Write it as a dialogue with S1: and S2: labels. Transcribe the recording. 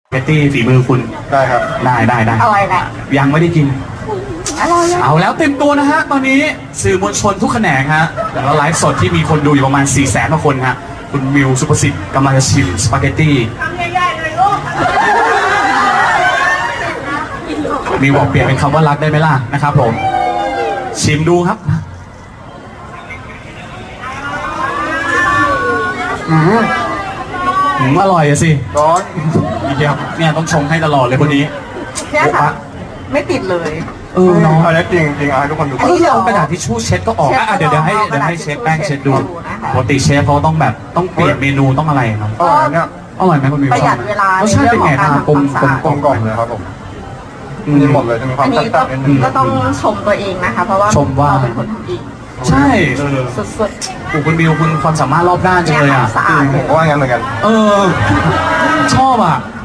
S1: เบตตี้ฝีมือคุณ
S2: ได้ครับ
S1: ได้
S3: อร่อยแหละ
S1: ยังไม่ได้กิน
S3: อร่อย
S1: เอาแล้วเต็มตัวนะฮะตอนนี้สื่อมวลชนทุกแขนงฮะแล้วไลฟ์สดที่มีคนดูอยู่ประมาณ 400,000 กว่าคนฮะคุณมิวสุภสิทธิ์กำลังจะชิมสปาเกตตี้ทำใหญ่ๆเลยลูกมิวบอกเปลี่ยนเป็นคำว่ารักได้ไหมล่ะนะครับผมชิมดูครับอร่อยอะสิ
S2: ร้อน
S1: เดี๋ยวเนี่ยต้องชงให้ตลอดเลยคนนี้
S3: เนี่ยค่ะไม่ติดเลย
S1: น้อง
S2: อันนี้จริงเอาให้ทุกคนดู
S1: เอากระดาษทิชชู่เช็ดก็ออกเดี๋ยวให้เช็ดแป้งเช็ดดูปกติเชฟเขาต้องแบบต้องเปลี่ยนเมนูต้องอะไรครับ
S2: อร่อยเนี่ย
S1: อร่อยไหมคุณมิว
S3: ประหยัดเวลาใน
S1: เรื่อง
S3: ของการทำความสะอาด
S2: กลมๆเลยครับผมนี่หมดเลยจะมีความ
S3: อันนี้
S2: ตัดๆนิดนึง
S3: ก็ต้องชมตัวเองนะคะเพราะว่าเราเป็นคนทำเอง
S1: ใช่
S3: สุด
S1: คุณมิวคุณความสามารถรอบด้านจังเลยอ่ะ
S3: สะอาด
S2: ผมก็ว่างั้นเหมือนกัน
S1: ชอบอ่ะ